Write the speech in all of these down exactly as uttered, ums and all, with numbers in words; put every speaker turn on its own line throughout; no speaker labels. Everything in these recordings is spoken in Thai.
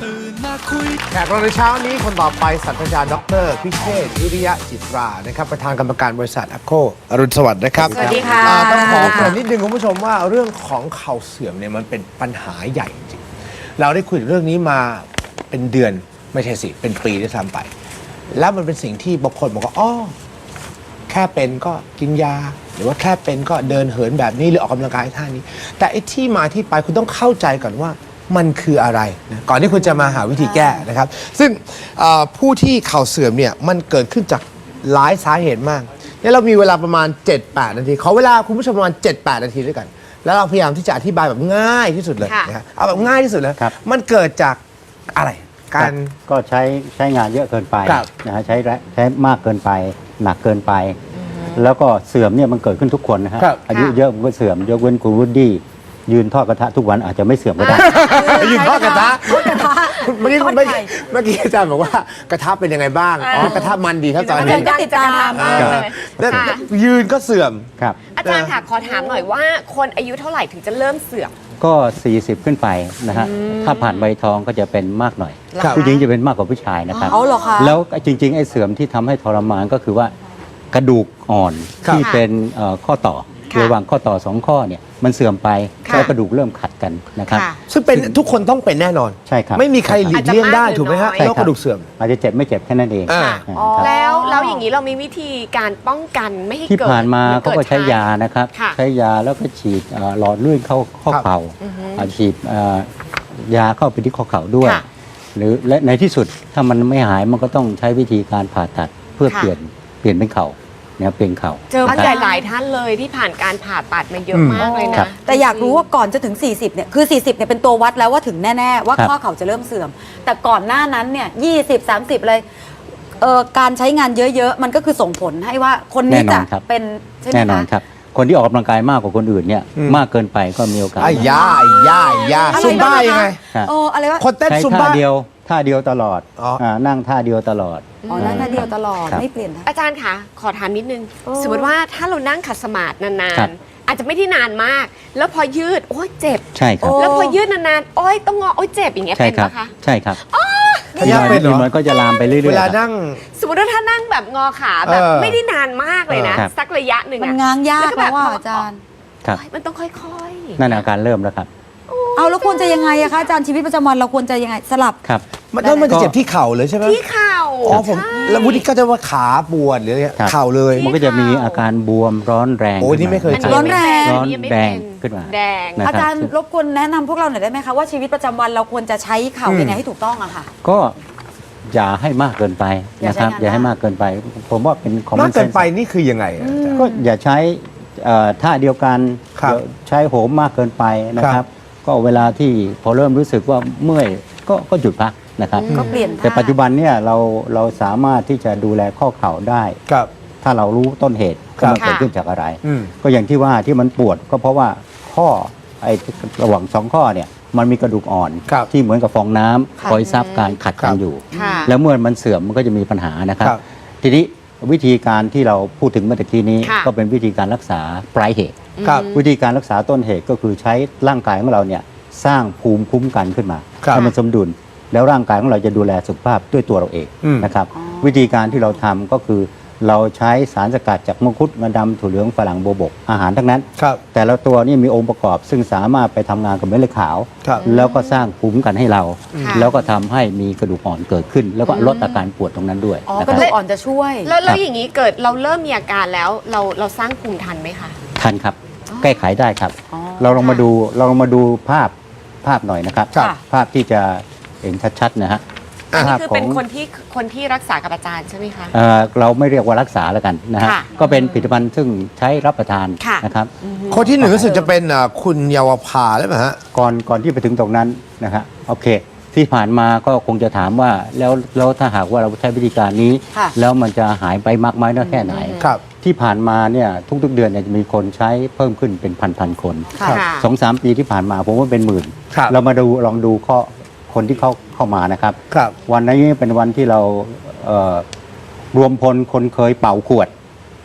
แขกรับในเช้านี้คนต่อไปศาสตราจารย์ดรพิเชษฐ์วิริยะจิตรานะครับประธานกรรมการบริษัทแอคโคอรุณสวัสดิ์นะครับ
สวัสดีค่ะ
ต้องขอเกริ่นนิดนึงคุณผู้ชมว่าเรื่องของเข่าเสื่อมเนี่ยมันเป็นปัญหาใหญ่จริงเราได้คุยเรื่องนี้มาเป็นเดือนไม่ใช่สิเป็นปีด้วยซ้ำไปแล้วมันเป็นสิ่งที่บางคนบอกว่าอ๋อแค่เป็นก็กินยาหรือว่าแค่เป็นก็เดินเหินแบบนี้หรือออกกำลังกายท่านี้ แต่ไอ้ที่มาที่ไปคุณต้องเข้าใจก่อนว่ามันคืออะไรนะก่อนที่คุณจะมาหาวิธีแก้นะครับซึ่งผู้ที่เข่าเสื่อมเนี่ยมันเกิดขึ้นจากหลายสาเหตุมากเนี่ยเรามีเวลาประมาณ เจ็ดแปด นาทีขอเวลาคุณผู้ชมประมาณ เจ็ดแปด นาทีด้วยกันแล้วเราพยายามที่จะอธิบายแบบง่ายที่สุดเลยนะครับเอาแบบง่ายที่สุดเลยมันเกิดจากอะไรการ
ก็ใช้ใช้งานเยอะเกินไปนะฮะใช้ใช้มากเกินไปหนักเกินไปแล้วก็เสื่อมเนี่ยมันเกิดขึ้นทุกคนนะฮะอายุเยอะมันก็เสื่อมยกเว้นคุณวูดดี้ยืนทอดกระทะทุกวันอาจจะไม่เสื่อมก็ได้
ยืนทอดกระทะเมื่อกี้เมื่อกี้อาจารย์บอกว่ากระทะเป็นยังไงบ้างอ๋อกระทะมันดีครับตอนนี้
ก็ติดตามมากเลย
ยืนก็เสื่อม
ครับ
อาจารย์ค่ะขอถามหน่อยว่าคนอายุเท่าไหร่ถึงจะเริ่มเสื่อม
ก็สี่สิบขึ้นไปนะฮะถ้าผ่านใบทองก็จะเป็นมากหน่อยผู้หญิงจะเป็นมากกว่าผู้ชายนะครับแล้วจริงๆไอ้เสื่อมที่ทำให้ทรมานก็คือว่ากระดูกอ่อนที่เป็นข้อต่อระหว่างข้อต่อสองข้อเนี่ยมันเสื่อมไปแล้วกระดูกเริ่มขัดกันนะครับ
ซึ่งเป็นทุกคนต้องเป็นแน่นอน
ใช่ครับ
ไม่มีใครหลีกเลี่ยงได้ถูกไหมฮะโรคกระดูกเสื่อม
อาจจะเจ็บไม่เจ็บแค่นั้นเอง
แล้วแล้วอย่างนี้เรามีวิธีการป้องกันไม่ให้เกิด
ที่ผ่านมาเขาก็ใช้ยานะครับใช้ยาแล้วก็ฉีดหลอดเลือดเข้าข้อเข่าฉีดยาเข้าไปที่ข้อเข่าด้วยหรือและในที่สุดถ้ามันไม่หายมันก็ต้องใช้วิธีการผ่าตัดเพื่อเปลี่ยนเปลี่ยนเป็นเข่าเนี่ยเป็นเข่า
เจอหลายหลายท่านเลยที่ผ่านการผ่าตัดมาเยอะมากเลยนะ
แต่อยากรู้ว่าก่อนจะถึงสี่สิบเนี่ยคือสี่สิบเนี่ยเป็นตัววัดแล้วว่าถึงแน่ๆว่าข้อเข่าจะเริ่มเสื่อมแต่ก่อนหน้านั้นเนี่ยยี่สิบ สามสิบเลยเอ่อการใช้งานเยอะๆมันก็คือส่งผลให้ว่าคนนี้จะเป็นใช่ไหมคะ
แน่นอนครับคนที่ออกกำลังกายมากกว่าคนอื่นเนี่ยมากเกินไปก็มีโอกาส
ไอ้ยาไอ้ยาไอ้ยาซุมบ้ายังไง
โอ้อะไรวะ
คนเต้นซุมบ้า
เดียวท่าเดียวตลอดนั่งท่าเดียวตลอด
อ๋อนั่งท่าเดียวตลอดไม่เปลี่ยน
อาจารย์คะขอถามนิดนึงสมมติว่าถ้าเรานั่งขัดสมาธินานๆอาจจะไม่ได้นานมากแล้วพอยืดโอ้ยเจ็บ
ใช่ครับ
แล้วพอยืดนานๆโอ้ยต้องงอโอ้ยเจ็บอย่างเงี้ยเป็นปะคะ
ใช่ครับ
ถ้ายากเป็น
มันก็จะลามไปเรื่อยๆ
เวลานั่ง
สมมติว่าถ้านั่งแบบงอขาแบบไม่ได้นานมากเลยนะสักระยะหนึ่ง
มันง้างยากแล้วว่าอาจารย์
มันต้องค่อย
ๆนั่นอาการเริ่มแล้วครับ
เอาแล้วควรจะยังไงอะคะอาจารย์ชีวิตประจำวันเราควรจะยังไงสลับ
ครับ
มันต้องมันจะเจ็บที่เข่าเลยใช่ไหม
ที่เข่า
อ๋อผมแล้ววุฒิก็จะว่าขาปวดหรือเข่าเลย
มันก็จะมีอาการบวมร้อนแรง
โอ้นี่ไม่เคย
ร้อนแรง
ร้อนแดงขึ้นมา
แดง
อาจารย์รบกวนแนะนำพวกเราหน่อยได้ไหมคะว่าชีวิตประจำวันเราควรจะใช้เข่ายังไงให้ถูกต้องอะค่ะ
ก็อย่าให้มากเกินไปนะครับอย่าให้มากเกินไปผมว่าเป็นของ
มากเกินไปนี่คือยังไง
ก็อย่าใช้ท่าเดียวกันใช้โหมมากเกินไปนะครับก็เวลาที่พอเริ่มรู้สึกว่าเมื่อยก็ก็หยุดพักนะครับ
ก็เปลี่ยน
แต่ปัจจุบันเนี่ยเราเราสามารถที่จะดูแลข้อเข่าได้ถ้าเรารู้ต้นเหตุว่ามันเกิดขึ้นจากอะไรก็อย่างที่ว่าที่มันปวดก็เพราะว่าข้อไอ้ระหว่างสองข้อเนี่ยมันมีกระดูกอ่อนที่เหมือนกับฟองน้ำคอยซับการขัดกันอยู่แล้วเมื่อมันเสื่อมมันก็จะมีปัญหานะครับทีนี้วิธีการที่เราพูดถึงเมื่อกี้นี้ก็เป็นวิธีการรักษาปลายเหตุวิธีการรักษาต้นเหตุก็คือใช้ร่างกายของเราเนี่ยสร้างภูมิคุ้มกันขึ้นมาให้มันสมดุลแล้วร่างกายของเราจะดูแลสุขภาพด้วยตัวเราเองนะครับวิธีการที่เราทำก็คือเราใช้สารสกัดจากมังคุดงาดำถั่วเหลืองฝรั่งโบวบกอาหารทั้งนั้นแต่ละตัวนี่มีองค์ประกอบซึ่งสามารถไปทำงานกับเม็ดเลือดขาวแล้วก็สร้างภูมิคุ้มกันให้เราแล้วก็ทำให้มีกระดูกอ่อนเกิดขึ้นแล้วก็ลดอาการปวดตรงนั้นด้วย
กระดูกอ่อนจะช่วย
แล้วแล้วอย่างนี้เกิดเราเริ่มมีอาการแล้วเราเราสร้างภูมิทันไหมคะ
ทันครับแก้ไขได้ครับเราลองมาดูเราลองมาดูภาพภาพหน่อยนะครับภาพที่จะเห็นชัดๆนะฮะ
นี่คือเป็นคนที่คนที่รักษากับอาจารย์ใช่ไหมคะ
เราไม่เรียกว่ารักษาแล้วกันนะฮะก็เป็นผลิตภัณฑ์ซึ่งใช้รับประทานนะครับ
คนที่หนึ่งรู้สึกจะเป็นคุณเยาวภาได้ไหมฮะ
ก่อนก่อนที่ไปถึงตรงนั้นนะครับโอเคที่ผ่านมาก็คงจะถามว่าแล้วแล้วถ้าหากว่าเราใช้วิธีการนี้แล้วมันจะหายไปมากไหมน้อยแค่ไหนที่ผ่านมาเนี่ยทุกๆเดือนเนี่ยจะมีคนใช้เพิ่มขึ้นเป็นพันๆคนสองสามปีที่ผ่านมาผมว่าเป็นหมื่นเรามาดูลองดูข้อคนที่เข้าเข้ามานะครับวันนี้เป็นวันที่เรารวมพลคนเคยเป่าขวด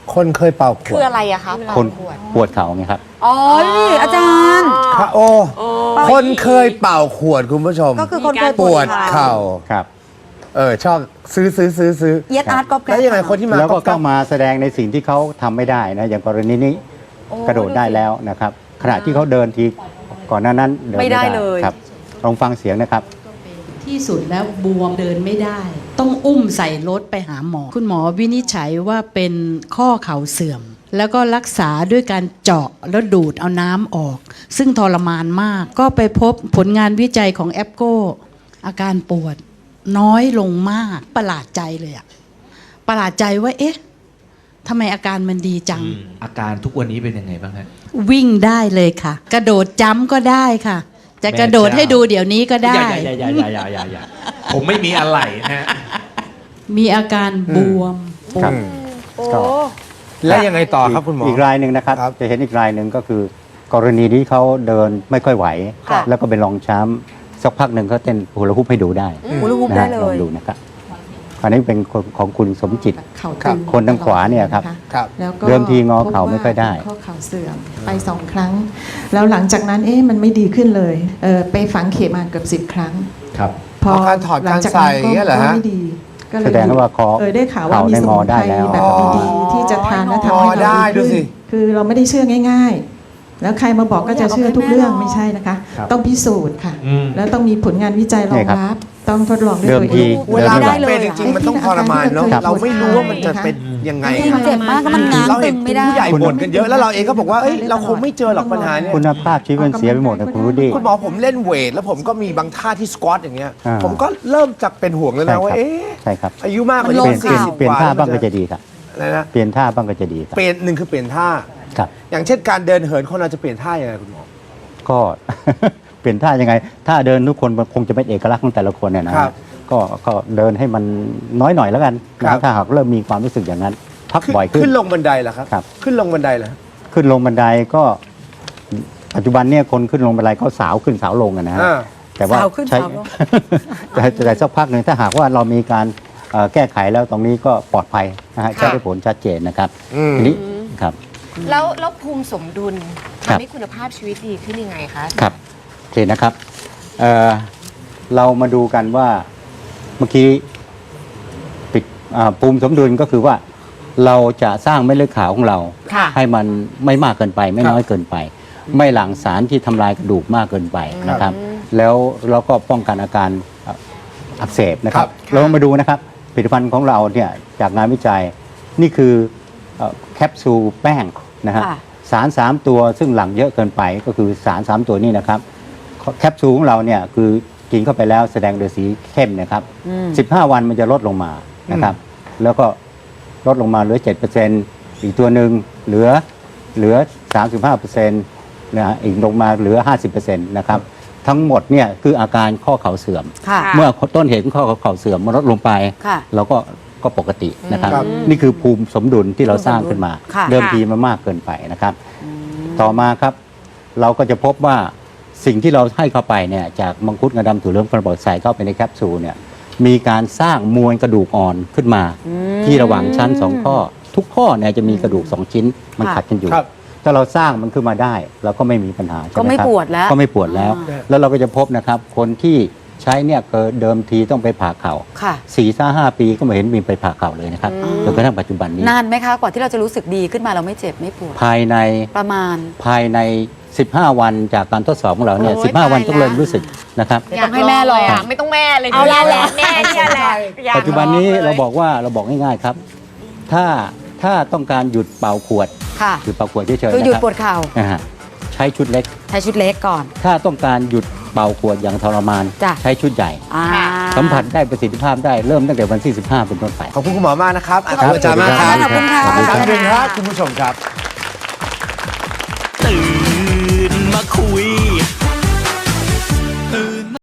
คนเคยเป่าข
คื
ว
อ
ด
อะไรอะคะ
คนปวดเข่าไงครับ
อ๋อนี่อาจารย์
ค่ะโอ้คนเคยเป่าขวดคุณผู้ชม
ก็คือคนเคย
ปวดเข่า
ครับ
เออชอบซื้อซื้อซื้อซื้อ
เย็ดอาร์ตก๊อปแก๊ป
แล้วยังไงคนที่มา
แล้วก็
ก๊
ก็
อป
มาแสดงในสิ่งที่เขาทำไม่ได้นะอย่างกรณีนี้กระโดดได้แล้วนะครับ ขณะที่เขาเดินทีก่อนหน้านั้นเดิน
ไม่
ไม่
ได้
ได้
เลย
ครับลองฟังเสียงนะครับ
ที่สุดแล้วบวมเดินไม่ได้ ต้องอุ้มใส่รถไปหาหมอ คุณหมอวินิจฉัยว่าเป็นข้อเข่าเสื่อม แล้วก็รักษาด้วยการเจาะแล้วดูดเอาน้ำออก ซึ่งทรมานมาก ก็ไปพบผลงานวิจัยของแอปโกอาการปวดน้อยลงมากประหลาดใจเลยอะประหลาดใจว่าเอ๊ะทำไมอาการมันดีจัง
อาการทุกวันนี้เป็นยังไงบ้างฮะ
วิ่งได้เลยค่ะ กระโดดจ้ำก็ได้ค่ะ จะกระโดดให้ดูเดี๋ยวนี้ก็ได้
อย่าอย่าอย่าอย่าอย่าอย่าอย่าผมไม่มีอะไรนะฮะ
มีอาการบวมปว
ครั
ด
บ
โอ้
ก็
แล้วยังไงต่อครับคุณหมอ
อีกรายหนึ่งนะครับ
ครับ
จะเห็นอีกรายหนึ่งก็คือ กรณีที่เขาเดินไม่ค่อยไหว
ค่ะ
แล้วก็เป็นรองช้ำสักพักหนึ่งเขาเต้นฮูลาฮูปให้ดูได้
ฮูลาฮูป
นะ
ได้
ฮะ
เล
ลอง
ย
ดูนะครับอันนี้เป็นคนของคุณสมจิต
เข่า
ครับ
ตึง
คนทางขวาเนี่ยครับ
ะ
ครับ
แล้วก็
เดิมทีงอเข่าไม่ค่อยได้
พบว่าข้อเข่าเสื่อมไปสองครั้ง แล้วหลังจากนั้นเอ๊ะมันไม่ดีขึ้นเลยเออไปฝังเข็มมาเกือบสิบครั้ง
ครับ
พอ
เอาการถอด
หลังจาก
การใส่
นั้น
อย่างเงี้ยเหรอ
ก็
ฮะ
ไม่ดีก็เลย
แสดงว่าคอ
เออได้ข่าวว่า
เข่า
มี
ได้
ส
ง
มุ
อน ได้
ไพร
แล้ว
แบบดีๆที่จะทานและทำ
อ๋อ
ให้เรา
ได้
ดี
ดู
ขึ้น
สิ
คือเราไม่ได้เชื่อง่าย ๆ แล้วใครมาบอกก็จะเชื่อทุกเรื่องไม่ใช่นะคะ
ครับ
ต้องพิสูจน์ค่ะ
อืม
แล้วต้องมีผลงานวิจัยรองรับ ต้องทดลองด้วย
เดิม
ตัว
ที
เอง
เวลา
เดิน
มัน
ไม่ไหว
เป็นจริงๆมันต้องทรมานเนาะ
ครับ
เราไม่รู้ว่ามันจะเป็นยังไง
มันเจ็บมากก็มันง้าง
เรา
ตึ
เห็น
ง
คุ
ไม่
ณ
ได้
ผู้ใหญ่บ่นกันเยอะแล้วเราเองก็บอกว่าเอ้ยเราคงไม่เจอหรอกปัญหาเนี่ย
คุณภาพชีวิตมันเสียไปหมดนะคุณรู้ดิ
คุณหมอผมเล่นเวทแล้วผมก็มีบางท่าที่สควอตอย่างเงี้ย
อ่า
ผมก็เริ่มจากเป็นห่วงแล้ว
ใช่
นะว่า
ครับ
เอ๊ะ
ใช่ครับ
อายุมากกว่า
มันล
นี้
ง
เปลี่ยน
สี่
เปลี่ยน
สิบ
เปลี่ยนท่า
แล้ว
บ้าง
มัน
ก็จะดีครับ
อะไรนะ
เปลี่ยนท่าบ้างก็จะดีครับ
เปลี่ยนหนึ่งคือเปลี่ยนท่า
ครับ
อย่างเช่นการเดินเหินคนเราจะเปลี่ยนท่ายังไงคุณหมอ
ก็ เปลี่ยนท่ายังไงท่าเดินทุกคนมันคงจะเป็นเอกลักษณ์ของแต่ละคนเนี่ยนะครับ ก็ก็เดินให้มันน้อยหน่อยแล้วกัน
ครั
นะ
บ
ถ้าหากเริ่มมีความรู้สึกอย่างนั้น พัก
ขึ้น
บ่อยขึ้น
ขึ้นลงบันไดเหรอครับ
ครับ
ขึ้นลงบันไดเหรอ
ขึ้นลงบันไดก็ปัจจุบันเนี่ยคนขึ้นลงบันไดเขาสาวขึ้นสาวลงอะนะฮะ
อ่า
แต่ว่า
สาวขึ้น
ใช้
สาวลง
แต่แต่สักพักหนึ่งถ้าหากว่าเรามีการเอ่อแก้ไขแล้วตรงนี้ก็ปลอดภัยนะฮะ
ค่ะ
ใช้ได้ผลชัดเจนนะครับ
อืม
ทีนี้ครับ
แล้วแล้วภูมิสมดุล
ครับ
ทำให้คุณภาพชีวิตดีขึ้นยังไงคะ
ครับโอเคนะครับเอ่อเรามาดูกันว่าเมื่อกี้ปิดอ่าภูมิสมดุลก็คือว่าเราจะสร้างเม็ดเลือดขาวของเรา
ค่ะ
ให้มันไม่มากเกินไป ไม่
ครับ
น้อยเกินไป ไม่หลั่งสารที่ทำลายกระดูกมากเกินไปนะครับ
อืม
แล้วเราก็ป้องกันอาการอ่ะอักเสบนะครับ
ครับ
เรามาดูนะครับผลิตภัณฑ์ของเราเนี่ยจากงานวิจัยนี่คือเอ่อแคปซูลแป้งนะฮะ
ค่ะ
สารสามตัวซึ่งหลั่งเยอะเกินไปก็คือสารสามตัวนี้นะครับแคปซูลของเราเนี่ยคือกินเข้าไปแล้วแสดงโดยสีเข้มนะครับ
อืม
สิบห้าวันมันจะลดลงมานะครับ แล้วก็ลดลงมาเหลือ เจ็ดเปอร์เซ็นต์ อีกตัวหนึ่งเหลือเหลือ สามสิบห้าเปอร์เซ็นต์ นะฮะอีกลงมาเหลือ ห้าสิบเปอร์เซ็นต์ นะครับ ทั้งหมดเนี่ยคืออาการข้อเข่าเสื่อม
ค่ะ
เมื่อต้นเหตุของข้อเข่าเสื่อมมันลดลงไป
ค่ะ
เราก็ก็ปกตินะครับ
ครับ
นี่คือภูมิสมดุลที่เราสร้างขึ้นมา
ค่ะ
เดิมทีมันมากเกินไปนะครับ ต่อมาครับ เราก็จะพบว่าสิ่งที่เราให้เข้าไปเนี่ยจากมังคุดงาดำถั่วเหลืองกระบอกใส่เข้าไปในแคปซูลเนี่ยมีการสร้างมวลกระดูกอ่อนขึ้นมา ที่ระหว่างชั้นสองข้อ ทุกข้อเนี่ยจะมีกระดูกสองชิ้นมัน
ค่ะ
ขัดกันอยู่
ครับ
ถ้าเราสร้างมันขึ้นมาได้เราก็ไม่มีปัญหาใช่
ก็
ไหม
ไม่
ครับ
ปวดแล้ว
ก็ไม่ปวดแล้ว
อ่า
แล้วเราก็จะพบนะครับคนที่ใช้เนี่ยเกิดเดิมทีต้องไปผ่าเข่า
ค่ะ
สี่ห้าห้าปีก็ไม่เห็นมีไปผ่าเข่าเลยนะครับจนกระทั่งปัจจุบันนี้
นานไหมคะกว่าที่เราจะรู้สึกดีขึ้นมาเราไม่เจ็บไม่ปวด
ภายใน
ประมาณ
ภายใน สิบห้า วันจากการทดสอบของเราเนี่ย
โอ้ย
สิบห้า วัน
ตาย
ต้องเริ่ม
แล้ว
รู้สึกนะครับ
เดี๋ยวต้องให้แม่ลอง
ยากไม่ต้องแม่เลย
เอาละแหละ
แม่เนี่ยแหละอยาก
ปัจจุบันนี้
ลองลย
เราบอกว่าเราบอกง่ายๆครับ ถ้าถ้าต้องการหยุดเป่าขวด
ค่ะ
หยุดเป่าขวดเฉยๆ
คือ
นะ
หยุด
ครับ
ปวดเข่า
นะฮะใช้ชุดเล็ก
ใช้ชุดเล็กก่อน
ถ้าต้องการหยุดเป่าขวดอย่างทรมาน
จ้ะ
ใช้ชุดใหญ่
อ่า
สัมผัสได้ประสิทธิภาพได้เริ่มตั้งแต่วันที่สิบห้าเป็นต้นไป
ขอบคุณคุณหมอมากนะครับขอบ
ครั
คุณอาจารย์มากครับ
ขอบคุณค่ะ
ขอบคุณครับ
ขอบคุณครับคุณผู้ชมครับ
ตื่นมาคุย